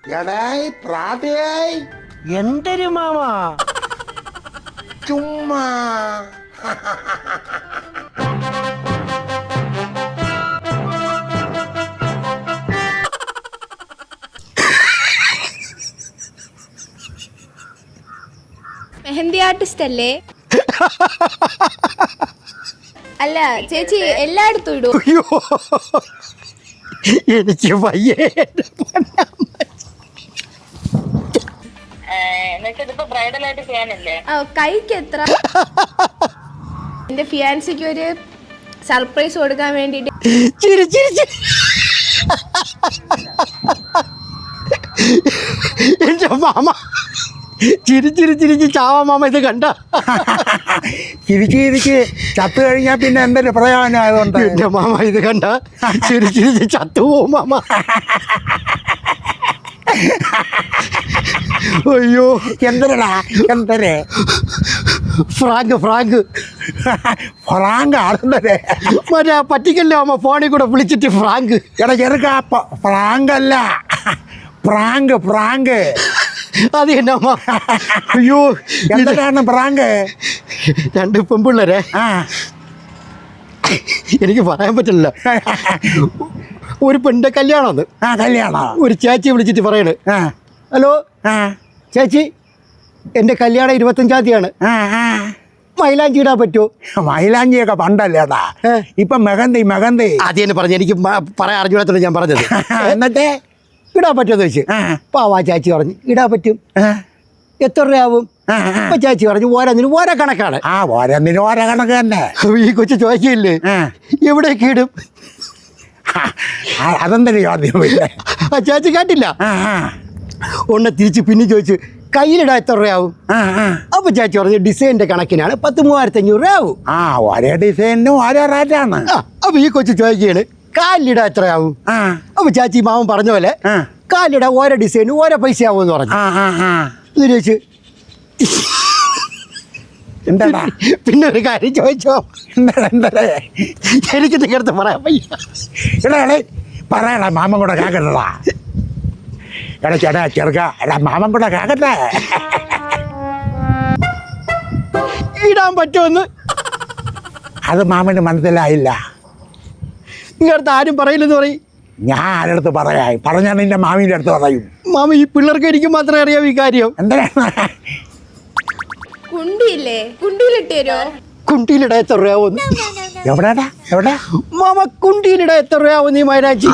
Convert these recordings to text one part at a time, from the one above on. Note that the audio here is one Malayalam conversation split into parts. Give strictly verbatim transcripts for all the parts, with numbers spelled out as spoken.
എടായി പ്രാതയായി എന്തൊരു മാമ ചുമ്മാ മെഹന്തി ആർട്ടിസ്റ്റ് അല്ലേ? അല്ല ചേച്ചി എല്ലായിടത്തും ഇടും. അയ്യോ എനിക്ക് വയ്യേ. കൈക്ക് എത്ര? എന്റെ ഫിയാൻസിക്ക് ഒരു സർപ്രൈസ് കൊടുക്കാൻ വേണ്ടിട്ട് ചിരി ചിരി ചിരി എന്റെ മാമ ചിരി ചിരി ചിരിച്ച് ചാവാ മാമ. ഇത് കണ്ട ചിരിച്ച് ചിരിച്ച് ചത്തു കഴിഞ്ഞാൽ പിന്നെ എന്തൊരു പ്രയോജനം ആയതുകൊണ്ട് എന്റെ മാമ ഇത് കണ്ട ചിരി ചിരിച്ച് ചത്തുപോകും മാമ. അയ്യോ എന്തരടാ എന്തരേ? ഫ്രാങ്ക് ഫ്രാങ്ക് ഫ്രാങ്ക് ആണെന്തരേ? മറ്റേ പറ്റിക്കല്ലേ അമ്മ ഫോണിൽ കൂടെ വിളിച്ചിട്ട് ഫ്രാങ്ക്. എടാ ചെറുക്ക ഫ്രാങ്ക് അല്ല പ്രാങ്ക് പ്രാങ്ക്. അത് തന്നെ അമ്മ. അയ്യോ എന്താണ് പ്രാങ്ക്? രണ്ട് പെൺപിള്ളേരെ ആ എനിക്ക് പറയാൻ പറ്റില്ല. ഒരു പെണ്ണിന്റെ കല്യാണം അത്. ആ കല്യാണം. ഒരു ചേച്ചി വിളിച്ചിട്ട് പറയണ്, ആ ഹലോ ആ ചേച്ചി എൻ്റെ കല്യാണം ഇരുപത്തഞ്ചാം തീയതിയാണ്, ആ ആ മൈലാഞ്ചി ഇടാൻ പറ്റുമോ? മൈലാഞ്ചിയൊക്കെ പണ്ടല്ലേടാ, ഇപ്പൊ മെഹന്തി മെഹന്തി. ആദ്യം തന്നെ പറഞ്ഞു, എനിക്ക് പറയാൻ അറിഞ്ഞൂടാത്തോണ്ട് ഞാൻ പറഞ്ഞത്. എന്നിട്ട് ഇടാൻ പറ്റുമോ ചോദിച്ചു. അപ്പോൾ ആ ചേച്ചി പറഞ്ഞു ഇടാൻ പറ്റും. എത്ര രൂപയാവും? അപ്പൊ ചേച്ചി പറഞ്ഞു ഓരോന്നിനും ഓരോ കണക്കാണ്. ആ ഓരോന്നിനും ഓരോ കണക്ക് തന്നെ. ഈ കൊച്ചു ചോദിക്കില്ലേ എവിടേക്ക് ഇടും? അതെന്തൊരു ചോദ്യം. ആ ചേച്ചി കേട്ടില്ല. ഒന്ന് തിരിച്ച് പിന്നെ ചോദിച്ചു കയ്യിലിടാൻ എത്ര രൂപയാവും? അപ്പൊ ചേച്ചി പറഞ്ഞു ഡിസൈനിന്റെ കണക്കിനാണ്, പത്ത് മൂവായിരത്തി അഞ്ഞൂറ് രൂപ ആവും. ആ ഓരോ ഡിസൈനിനും ഓരോ റേറ്റാണ്. അപ്പൊ ഈ കൊച്ചു ചോദിക്കുകയാണ് കാലിലിടാൻ എത്രയാവും? അപ്പൊ ചേച്ചി മാമൻ പറഞ്ഞ പോലെ കാലിലിടാൻ ഓരോ ഡിസൈനും ഓരോ പൈസ ആവും എന്ന് പറഞ്ഞു. ഇത് ചോദിച്ചു എന്താ പിന്നെ ഒരു കാര്യം ചോദിച്ചോ. എന്താ എനിക്ക് നിങ്ങളുടെ പറയാൻ വയ്യ. എടാ എടേ പറയടാ, മാമൻ കൂടെ കേക്കട്ടടാ. എടാ ചേട്ടാ ചെറുക്ക, എടാ മാമൻ കൂടെ കേക്കട്ടെ. ഇടാൻ പറ്റുമെന്ന് അത് മാമന് മനസ്സിലായില്ല. നിങ്ങളുടെ ആരും പറയില്ലെന്ന് പറയും. ഞാൻ ആരടുത്ത് പറയാം? പറഞ്ഞാൽ നിന്റെ മാമിൻ്റെ അടുത്ത് പറയും. മാമ ഈ പിള്ളേർക്ക് എനിക്ക് മാത്രമേ അറിയാവൂ ഈ കാര്യം. എന്താണ് കുണ്ടിയില്ലേ, കുണ്ടിയിലിട്ട് തരുമോ? കുണ്ടിയിലിടാൻ എത്ര രൂപയാവുന്നു? എവിടെടാ എവിടെ മാമ കുണ്ടിയിലിടാൻ എത്ര രൂപയാവുന്നു? ഈ മൈലാഞ്ചി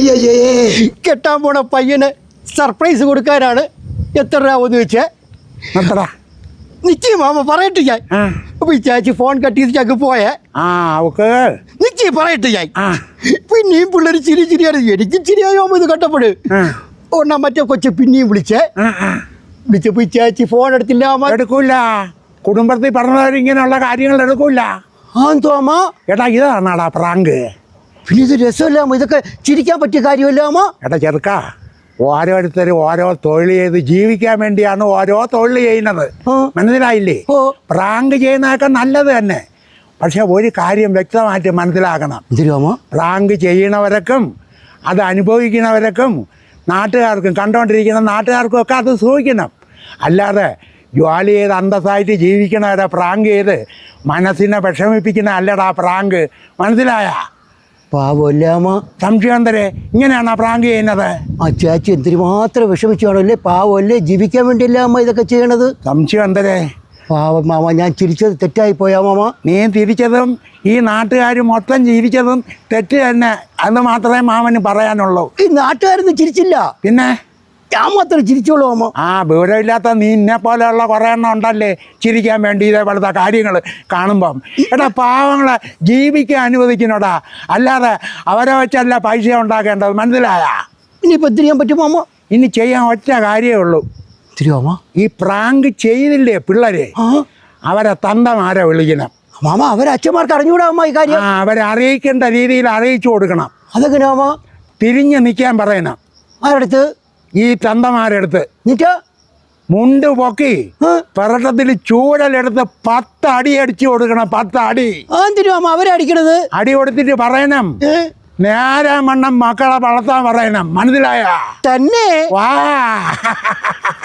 കെട്ടാൻ പോണ പയ്യന് സർപ്രൈസ് കൊടുക്കാനാണ്. എത്ര രൂപയാവുമെന്ന് ചോദിച്ചേ. എത്രടാ നിശ്ചയം മാമ പറയട്ടെ ഞാൻ. അപ്പൊ ഈ ചേച്ചി ഫോൺ കട്ട് ചെയ്ത് ചക്ക് പോയേ. ആ അവക്ക് നിശ്ചയം പറയട്ടെ ഞാൻ. പിന്നെയും പിള്ളേർ ചിരി ചിരിയാണ്. എനിക്ക് ചിരിയായോ ഇത് കട്ടപ്പോഴ്. ഒന്നാ മറ്റേ കൊച്ചു പിന്നെയും വിളിച്ചേ. വിളിച്ചപ്പോ ഈ ചേച്ചി ഫോൺ എടുത്തില്ല. എടുക്കൂല. കുടുംബത്തിൽ പറഞ്ഞവർ ഇങ്ങനെയുള്ള കാര്യങ്ങൾ എടുക്കൂല. ആ തോമ എടാ ഇതാണാടാ പ്രാങ്ക്. പിന്നെ ഇത് രസമല്ലാമോ? ഇതൊക്കെ ചിരിക്കാൻ പറ്റിയ കാര്യമല്ലാമോ? എടാ ചെറുക്ക, ഓരോരുത്തരും ഓരോ തൊഴിൽ ചെയ്ത് ജീവിക്കാൻ വേണ്ടിയാണ് ഓരോ തൊഴിൽ ചെയ്യുന്നത്. മനസ്സിലായില്ലേ? പ്രാങ്ക് ചെയ്യുന്നതൊക്കെ നല്ലത് തന്നെ. പക്ഷെ ഒരു കാര്യം വ്യക്തമായിട്ട് മനസ്സിലാക്കണം. പ്രാങ്ക് ചെയ്യണവർക്കും അത് അനുഭവിക്കുന്നവർക്കും നാട്ടുകാർക്കും കണ്ടുകൊണ്ടിരിക്കുന്ന നാട്ടുകാർക്കും ഒക്കെ അത് സൂക്ഷിക്കണം. അല്ലാതെ ജോലി ചെയ്ത് അന്തസ്സായിട്ട് ജീവിക്കണവരെ പ്രാങ്ക് ചെയ്ത് മനസ്സിനെ വിഷമിപ്പിക്കുന്ന അല്ലടാ പ്രാങ്ക്. മനസ്സിലായ? പാവല്ലാമ സംശയം എന്തരേ ഇങ്ങനെയാണോ പ്രാങ്ക് ചെയ്യുന്നത്? ആ ചേച്ചി എന്തിനു മാത്രം വിഷമിച്ചാണല്ലേ? പാവല്ലേ, ജീവിക്കാൻ വേണ്ടിയല്ലേ അമ്മ ഇതൊക്കെ ചെയ്യണത്? സംശയം എന്തരേ? പാവം മാമ, ഞാൻ ചിരിച്ചത് തെറ്റായി പോയാ മാമ? നീ തിരിച്ചതും ഈ നാട്ടുകാർ മൊത്തം ചിരിച്ചതും തെറ്റ് തന്നെ. അത് മാത്രമേ മാമന് പറയാനുള്ളൂ. ഈ നാട്ടുകാരൊന്നും ചിരിച്ചില്ല, പിന്നെ ഞാൻ മാത്രം ചിരിച്ചോളൂ അമ്മ. ആ വിവരമില്ലാത്ത നീ ഇന്നെ പോലെയുള്ള കുറേ എണ്ണം ഉണ്ടല്ലേ ചിരിക്കാൻ വേണ്ടി ഇതേപോലത്തെ കാര്യങ്ങൾ കാണുമ്പം. എടാ പാവങ്ങളെ ജീവിക്കാൻ അനുവദിക്കണോടാ, അല്ലാതെ അവരെ വെച്ചല്ല പൈസ ഉണ്ടാക്കേണ്ടത്. മനസ്സിലായ? ഇനിയിപ്പോൾ എന്ത് ചെയ്യാൻ പറ്റും മാമ? ഇനി ചെയ്യാൻ ഒറ്റ കാര്യമേ ഉള്ളൂ. തിരുവാമ ഈ പ്രാങ്ക് ചെയ്തില്ലേ പിള്ളേരെ, അവരെ തന്തമാരെ വിളിക്കണം. മാമ അവരെ അച്ഛന്മാർക്ക് അറിഞ്ഞൂടാ അമ്മ ഈ കാര്യം? ആ അവരെ അറിയിക്കേണ്ട രീതിയിൽ അറിയിച്ചു കൊടുക്കണം. അതെങ്ങനെ മാമ? തിരിഞ്ഞ് നിൽക്കാൻ പറയണം. ആരടുത്ത്? ഈ തന്തമാരെടുത്ത്. എന്നിട്ട് മുണ്ട് പൊക്കി പെറട്ടത്തിൽ ചൂടലെടുത്ത് പത്ത് അടി അടിച്ചു കൊടുക്കണം. പത്ത് അടി. ആ തിരുവാമ അവരെ അടിക്കണത്? അടി കൊടുത്തിട്ട് പറയണം നേരെ മണ്ണം മക്കളെ വളർത്താൻ പറയണം, മനസ്സിലായ? തന്നെ വാ